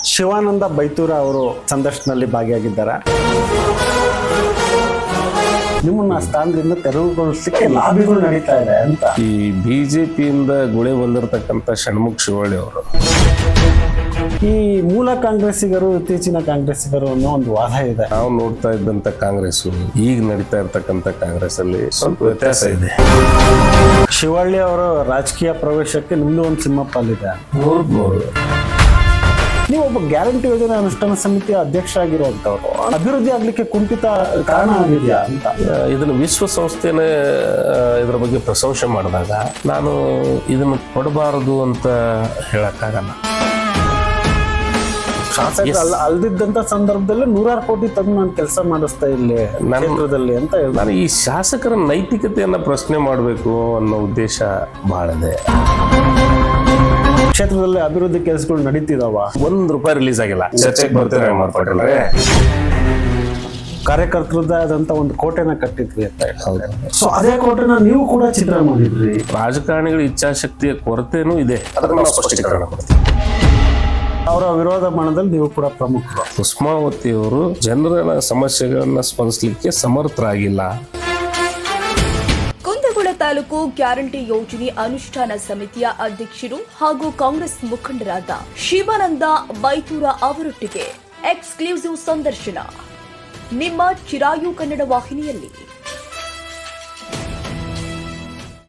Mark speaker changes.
Speaker 1: ಶಿವಾನಂದ ಬೈತೂರ ಅವರು ಸಂದರ್ಶನದಲ್ಲಿ ಭಾಗಿಯಾಗಿದ್ದಾರೆ. ನಿಮ್ಮನ್ನ ಸ್ಥಾನದಿಂದ ತೆರವುಗೊಳಿಸಲಿಕ್ಕೆ ಲಾಬಿಗಳು ನಡೀತಾ ಇದೆ ಅಂತ
Speaker 2: ಈ ಬಿಜೆಪಿಯಿಂದ ಗುಳೆ ಬಂದಿರತಕ್ಕಂಥ ಷಣ್ಮುಖ ಶಿವಳ್ಳಿ ಅವರು
Speaker 1: ಈ ಮೂಲ ಕಾಂಗ್ರೆಸ್ಸಿಗರು ಇತ್ತೀಚಿನ ಕಾಂಗ್ರೆಸ್ಸಿಗರು ಅನ್ನೋ ಒಂದು ವಾದ ಇದೆ.
Speaker 2: ನಾವು ನೋಡ್ತಾ ಇದ್ದಂತ ಕಾಂಗ್ರೆಸ್ ಈಗ ನಡೀತಾ ಇರ್ತಕ್ಕಂಥ ಕಾಂಗ್ರೆಸ್ ಅಲ್ಲಿ ಸ್ವಲ್ಪ ವ್ಯತ್ಯಾಸ ಇದೆ.
Speaker 1: ಶಿವಳ್ಳಿ ಅವರ ರಾಜಕೀಯ ಪ್ರವೇಶಕ್ಕೆ ನಿಮ್ದು ಒಂದು ಸಿಂಹಪಾಲಿದೆ. ನೀವು ಒಬ್ಬ ಗ್ಯಾರಂಟಿ ಯೋಜನೆ ಅನುಷ್ಠಾನ ಸಮಿತಿಯ ಅಧ್ಯಕ್ಷ ಆಗಿರುವಂತವ್ರು, ಅಭಿವೃದ್ಧಿ ಆಗ್ಲಿಕ್ಕೆ ಕುಂಠಿತ ಕಾರಣ ಆಗಿದೆಯಾ ಅಂತ
Speaker 2: ಇದನ್ನು ವಿಶ್ವಸಂಸ್ಥೆನೇ ಇದರ ಬಗ್ಗೆ ಪ್ರಶಂಸೆ ಮಾಡಿದಾಗ ನಾನು ಇದನ್ನು ಕೊಡಬಾರದು ಅಂತ ಹೇಳಕ್ಕಾಗಲ್ಲ.
Speaker 1: ಶಾಸಕರು ಅಲ್ದಿದ್ದಂತ ಸಂದರ್ಭದಲ್ಲಿ 100 ಕೋಟಿ ತಂದು ನಾನು ಕೆಲಸ ಮಾಡಿಸ್ತಾ ಇಲ್ಲಿ ಕ್ಷೇತ್ರದಲ್ಲಿ ಅಂತ
Speaker 2: ನಾನು ಈ ಶಾಸಕರ ನೈತಿಕತೆಯನ್ನ ಪ್ರಶ್ನೆ ಮಾಡಬೇಕು ಅನ್ನೋ ಉದ್ದೇಶ ಬಹಳ ಇದೆ.
Speaker 1: ಕ್ಷೇತ್ರದಲ್ಲಿ ಅಭಿವೃದ್ಧಿ ಕೆಲಸಗಳು ನಡೀತಿದಾವ.
Speaker 2: ₹1 ರಿಲೀಸ್ ಆಗಿಲ್ಲ. ಚರ್ಚೆಗೆ ಬರ್ತೀರಾ ಮಾಡ್ಕೊಟ್ಟಿಲ್ಲ.
Speaker 1: ಕಾರ್ಯಕರ್ತರದಾದಂತ ಒಂದು ಕೋಟೆನ ಕಟ್ಟಿದ್ವಿ ಅಂತ ಹೇಳಿ. ಸೊ ಅದೇ ಕೋಟೆನ ನೀವು ಕೂಡ ಚಿತ್ರ ಮಾಡಿದ್ರಿ.
Speaker 2: ರಾಜಕಾರಣಿಗಳ ಇಚ್ಛಾಶಕ್ತಿಯ ಕೊರತೆನೂ ಇದೆ, ಅದಕ್ಕೆ ನಾವು ಸ್ಪಷ್ಟೀಕರಣ ಕೊಡ್ತೀವಿ.
Speaker 1: ಅವರ ವಿರೋಧ ಮಾಡದಲ್ಲಿ ನೀವು ಕೂಡ ಪ್ರಮುಖರು.
Speaker 2: ಕುಸುಮಾವತಿ ಅವರು ಜನರ ಸಮಸ್ಯೆಗಳನ್ನ ಸ್ಪಂದಿಸಲಿಕ್ಕೆ ಸಮರ್ಥರಾಗಿಲ್ಲ.
Speaker 3: ಕುಂದಗೋಳ ತಾಲೂಕು ಗ್ಯಾರಂಟಿ ಯೋಜನೆ ಅನುಷ್ಠಾನ ಸಮಿತಿಯ ಅಧ್ಯಕ್ಷರು ಹಾಗೂ ಕಾಂಗ್ರೆಸ್ ಮುಖಂಡರಾದ ಶಿವಾನಂದ ಬೈತೂರ ಅವರೊಟ್ಟಿಗೆ ಎಕ್ಸ್ಕ್ಲೂಸಿವ್ ಸಂದರ್ಶನ ನಿಮ್ಮ ಚಿರಾಯು ಕನ್ನಡ ವಾಹಿನಿಯಲ್ಲಿ.